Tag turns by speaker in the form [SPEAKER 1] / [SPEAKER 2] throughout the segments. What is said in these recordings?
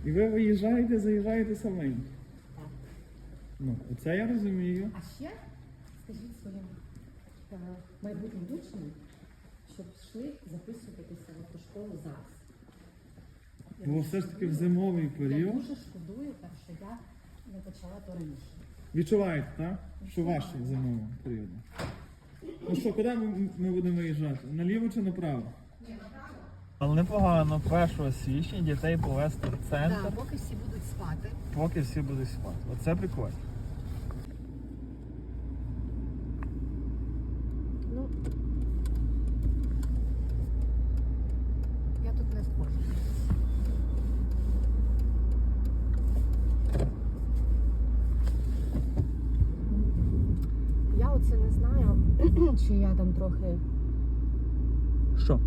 [SPEAKER 1] І ви виїжджаєте, заїжджаєте саменько.
[SPEAKER 2] Так.
[SPEAKER 1] Ну, оце я розумію.
[SPEAKER 2] А ще скажіть своїм майбутнім учням, щоб йшли записуватися в ту школу зараз.
[SPEAKER 1] Бо все ж таки в зимовий
[SPEAKER 2] Я
[SPEAKER 1] період.
[SPEAKER 2] дуже шкодую, що я не почала то раніше.
[SPEAKER 1] Відчуваєте, так? Що ваше зимовий період. Ну що, куди ми будемо виїжджати? Наліво чи направо? Але непогано, 1 січня дітей повезти в центр,
[SPEAKER 2] Так, поки всі будуть спати.
[SPEAKER 1] поки всі будуть спати. Оце прикольно.
[SPEAKER 2] Ну, я тут не схожу. Я оце не знаю, чи я там трохи,
[SPEAKER 1] Що?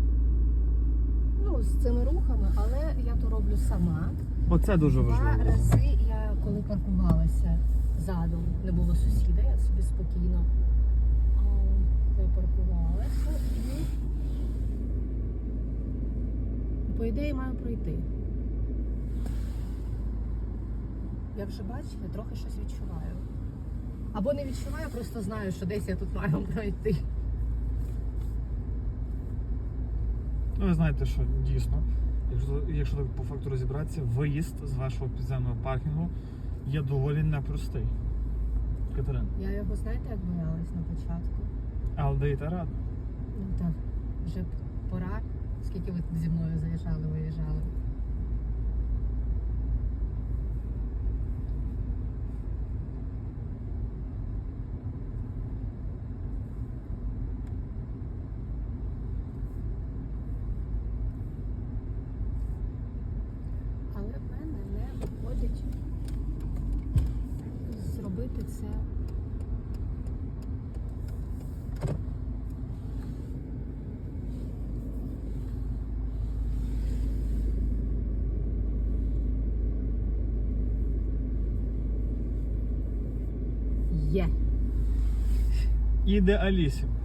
[SPEAKER 2] ну, з цими рухами, але я то роблю сама.
[SPEAKER 1] Оце дуже
[SPEAKER 2] 2
[SPEAKER 1] важливо.
[SPEAKER 2] рази я, коли паркувалася задом, не було сусіда, я собі спокійно припаркувалася і, по ідеї, маю пройти. Я вже бачила, трохи щось відчуваю. Або не відчуваю, просто знаю, що десь я тут маю пройти.
[SPEAKER 1] Ну, ви знаєте, що дійсно, якщо так по факту розібратися, виїзд з вашого підземного паркінгу є доволі непростий. Катерина.
[SPEAKER 2] Я його, знаєте, як боялась на початку?
[SPEAKER 1] Але даєте раду.
[SPEAKER 2] Ну так, вже пора. Скільки ви зі мною заїжджали, виїжджали? Але в мене не виходить зробити це. Є.
[SPEAKER 1] Ідеалісім.